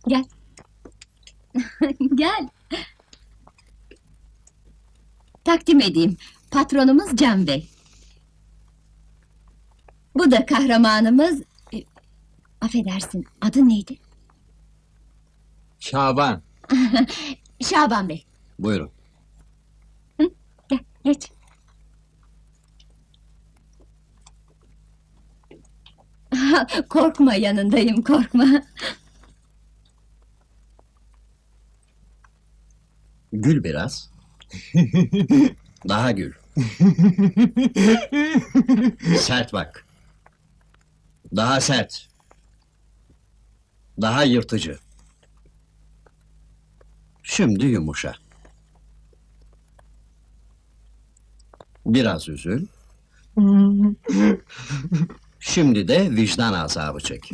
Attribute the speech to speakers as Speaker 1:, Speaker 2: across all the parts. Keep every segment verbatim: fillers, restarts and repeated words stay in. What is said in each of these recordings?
Speaker 1: Gel. Gel. Takdim edeyim. Patronumuz Can Bey. Bu da kahramanımız... e, Affedersin, adı neydi?
Speaker 2: Şaban.
Speaker 1: Şaban Bey.
Speaker 3: Buyurun.
Speaker 1: Gel, geç. Korkma, yanındayım, korkma.
Speaker 3: Gül biraz. Daha gül. Sert bak. Daha sert. Daha yırtıcı. Şimdi yumuşa. Biraz üzül. Şimdi de vicdan azabı çek.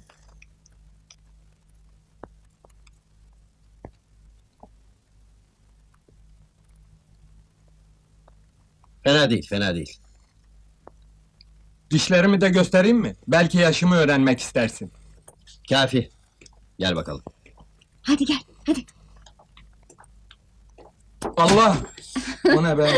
Speaker 3: Fena değil, fena değil.
Speaker 2: Dişlerimi de göstereyim mi? Belki yaşımı öğrenmek istersin.
Speaker 3: Kafi. Gel bakalım.
Speaker 1: Hadi gel, hadi.
Speaker 2: Allah! O ne be?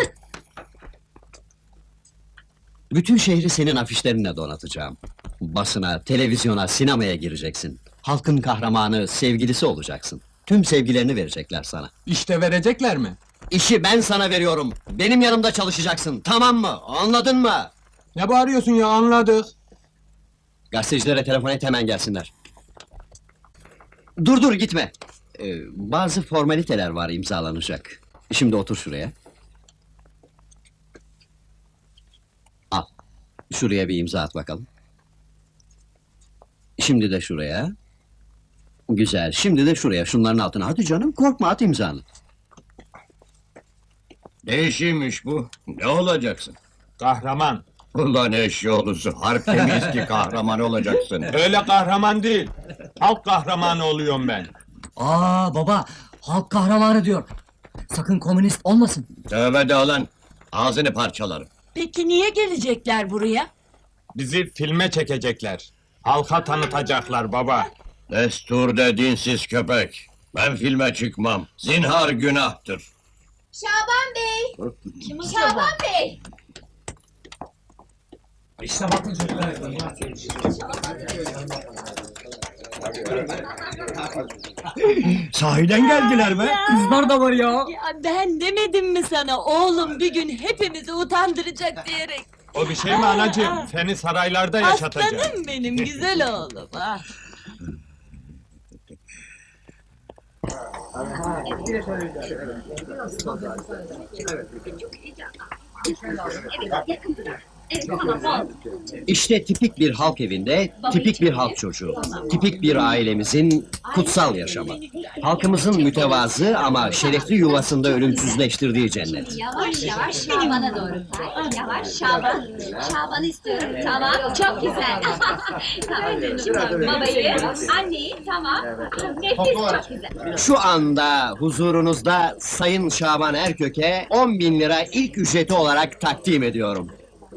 Speaker 3: Bütün şehri senin afişlerinle donatacağım. Basına, televizyona, sinemaya gireceksin. Halkın kahramanı, sevgilisi olacaksın. Tüm sevgilerini verecekler sana.
Speaker 2: İşte verecekler mi?
Speaker 3: İşi ben sana veriyorum. Benim yanımda çalışacaksın. Tamam mı? Anladın mı?
Speaker 2: Ne bağırıyorsun ya, anladık.
Speaker 3: Gazetecilere telefon et, hemen gelsinler. Dur dur gitme. Ee, bazı formaliteler var imzalanacak. Şimdi otur şuraya. Al. Şuraya bir imza at bakalım. Şimdi de şuraya. Güzel. Şimdi de şuraya. Şunların altına. Hadi canım, korkma, at imzanı.
Speaker 4: Ne işiymiş bu? Ne olacaksın?
Speaker 2: Kahraman.
Speaker 4: Ulan eşyoğlusu, harp temiz ki kahraman olacaksın.
Speaker 2: Öyle kahraman değil. Halk kahramanı oluyorum ben.
Speaker 5: Aa baba, halk kahramanı diyor. Sakın komünist olmasın.
Speaker 4: Tövbe de lan, ağzını parçalarım.
Speaker 6: Peki niye gelecekler buraya?
Speaker 2: Bizi filme çekecekler. Halka tanıtacaklar baba.
Speaker 4: Destur de dinsiz köpek. Ben filme çıkmam. Zinhar günahtır.
Speaker 1: Şaban Bey! Şaban Bey!
Speaker 4: Sahiden geldiler be.
Speaker 5: Kızlar da var ya.
Speaker 6: Ya ben demedim mi sana oğlum bir gün hepimizi utandıracak diyerek.
Speaker 2: O bir şey mi anacığım? Seni saraylarda yaşatacak.
Speaker 6: Aslanım benim güzel oğlum. Ah.
Speaker 3: İşte tipik bir halk evinde, tipik bir halk çocuğu. Tipik bir ailemizin kutsal yaşamı. Halkımızın mütevazı ama şerefli yuvasında ölümsüzleştirdiği cennet.
Speaker 1: Yavaş yavaş Şaban'a doğru kay. Yavaş Şaban. Şaban'ı istiyorum. Tamam, çok güzel. Tamam. Şimdi babayı, anneyi, tamam. Nefis, çok güzel.
Speaker 3: Şu anda huzurunuzda Sayın Şaban Erköke on bin lira ilk ücreti olarak takdim ediyorum.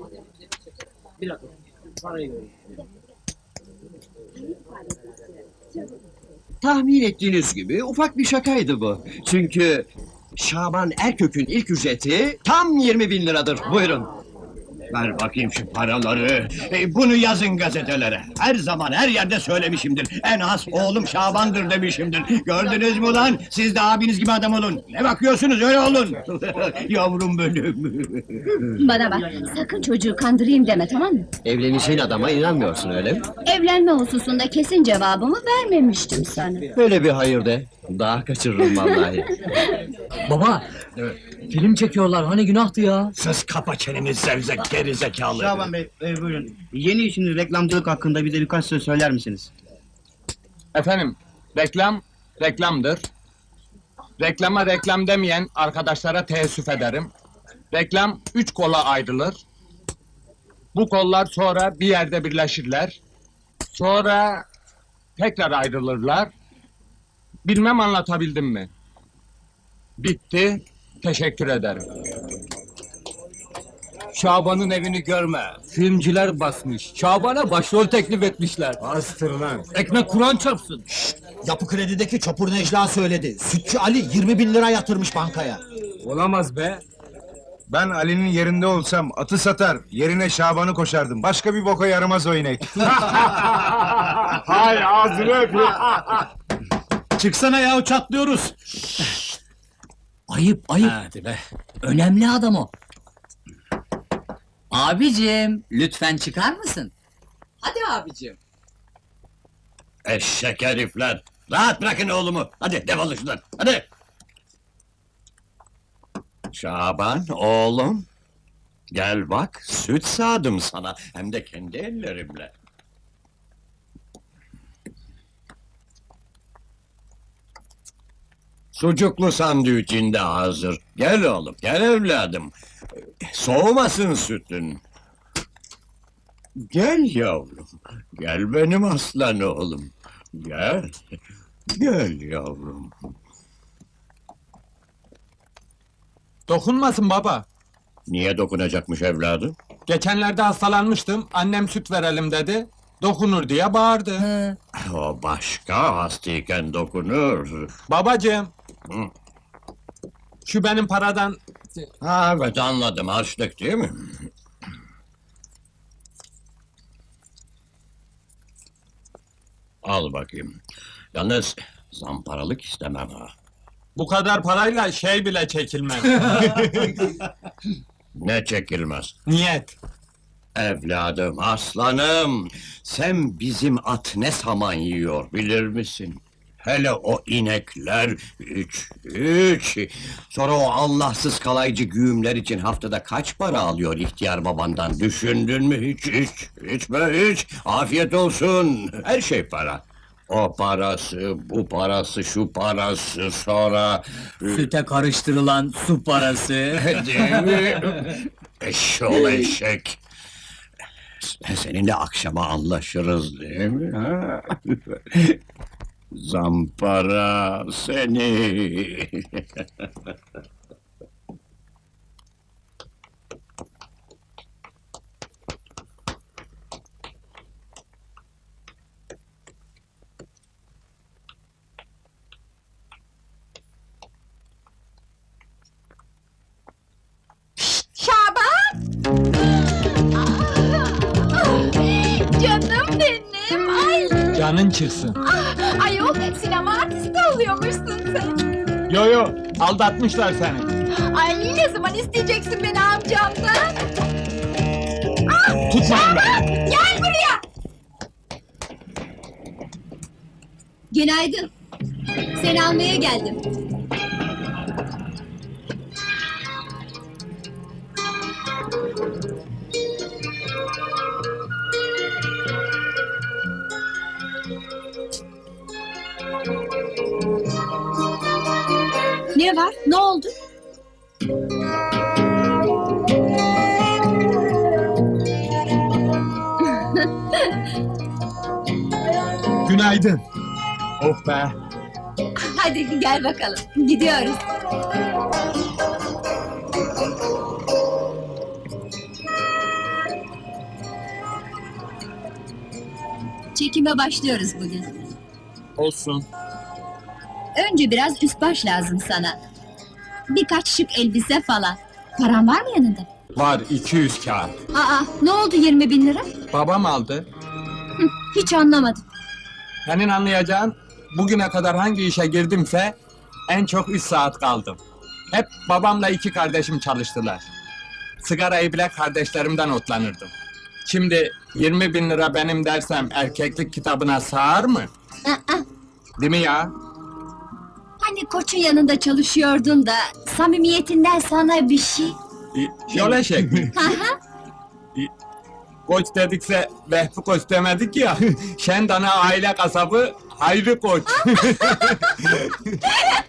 Speaker 3: Tahmin ettiğiniz gibi ufak bir şakaydı bu. Çünkü Şaban Erkök'ün ilk ücreti tam yirmi bin liradır. Buyurun.
Speaker 4: Ver bakayım şu paraları. E, bunu yazın gazetelere. Her zaman her yerde söylemişimdir. En az oğlum Şaban'dır demişimdir. Gördünüz mü lan? Siz de abiniz gibi adam olun. Ne bakıyorsunuz, öyle olun. Yavrum benim.
Speaker 1: Bana bak, sakın çocuğu kandırayım deme, tamam mı?
Speaker 3: Evleneceğin adama inanmıyorsun öyle mi?
Speaker 1: Evlenme hususunda kesin cevabımı vermemiştim sana.
Speaker 3: Öyle bir hayır de. Daha kaçırırım vallahi.
Speaker 5: Baba, film çekiyorlar, hani günahtı ya.
Speaker 4: Sus, kapa çeneni zevzek geri zekalı.
Speaker 7: Şaban Bey, e, buyurun. Yeni işiniz reklamcılık hakkında bize birkaç söz söyler misiniz?
Speaker 2: Efendim, reklam, reklamdır. Reklama reklam demeyen arkadaşlara teessüf ederim. Reklam üç kola ayrılır. Bu kollar sonra bir yerde birleşirler. Sonra tekrar ayrılırlar. Bilmem anlatabildim mi? Bitti, teşekkür ederim.
Speaker 8: Şaban'ın evini görme. Filmciler basmış. Şaban'a başrol teklif etmişler.
Speaker 2: Bastır lan.
Speaker 8: Ekmek Kur'an çarpsın.
Speaker 9: Yapı Kredi'deki Çopur Necla söyledi. Sütçü Ali yirmi bin lira yatırmış bankaya.
Speaker 8: Olamaz be. Ben Ali'nin yerinde olsam atı satar, yerine Şaban'ı koşardım. Başka bir boka yaramaz o inek.
Speaker 2: Hay ağzını öpeyim.
Speaker 4: Çıksana ya, çatlıyoruz.
Speaker 5: Ayıp ayıp.
Speaker 8: Hadi be.
Speaker 5: Önemli adam o. Abicim lütfen çıkar mısın?
Speaker 6: Hadi abicim.
Speaker 4: Eşek herifler. Rahat bırakın oğlumu. Hadi defolun şuradan. Hadi. Şaban oğlum. Gel bak, süt sağdım sana. Hem de kendi ellerimle. Sucuklu sandviçin de hazır. Gel oğlum, gel evladım. Soğumasın sütün. Gel yavrum. Gel benim aslan oğlum. Gel. Gel yavrum.
Speaker 2: Dokunmasın baba.
Speaker 4: Niye dokunacakmış evladım?
Speaker 2: Geçenlerde hastalanmıştım. Annem süt verelim dedi. Dokunur diye bağırdı.
Speaker 5: He.
Speaker 4: O başka, hastayken dokunur.
Speaker 2: Babacığım.
Speaker 4: Hı.
Speaker 2: Şu benim paradan...
Speaker 4: Ha, evet anladım, harçlık değil mi? Al bakayım. Yalnız zamparalık istemem ha.
Speaker 2: Bu kadar parayla şey bile çekilmez.
Speaker 4: Ne çekilmez?
Speaker 2: Niyet.
Speaker 4: Evladım, aslanım, sen bizim at ne saman yiyor bilir misin? Hele o inekler, üç, üç! Sonra o Allahsız kalaycı güğümler için haftada kaç para alıyor ihtiyar babandan, düşündün mü hiç, hiç, hiç be hiç! Afiyet olsun, her şey para. O parası, bu parası, şu parası, sonra...
Speaker 5: Süte karıştırılan su parası.
Speaker 4: Değil mi? Eşşoğlu eşek! Seninle akşama anlaşırız değil mi? Ha? Zampara seni!
Speaker 1: Şaban! Canım benim, ay!
Speaker 2: Canın çıksın.
Speaker 1: Ah, ayol, sinema artisti oluyormuşsun sen.
Speaker 2: Yo yo, aldatmışlar seni.
Speaker 1: Ay, ne zaman isteyeceksin beni amcamdan?
Speaker 2: Tutmayın beni.
Speaker 1: Gel buraya! Günaydın. Seni almaya geldim. Ne var? Ne oldu?
Speaker 2: Günaydın. Oh be.
Speaker 1: Hadi gel bakalım. Gidiyoruz. Çekime başlıyoruz bugün.
Speaker 2: Olsun.
Speaker 1: Önce biraz üst baş lazım sana. Birkaç şık elbise falan. Paran var mı yanında?
Speaker 2: Var iki yüz kağıt.
Speaker 1: Aa, ne oldu yirmi bin lira?
Speaker 2: Babam aldı.
Speaker 1: Hı, hiç anlamadım.
Speaker 2: Senin anlayacağın, bugüne kadar hangi işe girdimse en çok üç saat kaldım. Hep babamla iki kardeşim çalıştılar. Sigarayı bile kardeşlerimden otlanırdım. Şimdi yirmi bin lira benim dersem erkeklik kitabına sığar mı?
Speaker 1: Aa,
Speaker 2: Değil mi ya?
Speaker 1: hani koçun yanında çalışıyordun da samimiyetinden sana bir şey.
Speaker 2: Y- Yol eşek mi?
Speaker 1: Hı hı.
Speaker 2: Koç dedikse Vehbi Koç demedik ya. Şendana aile kasabı Hayri Koç.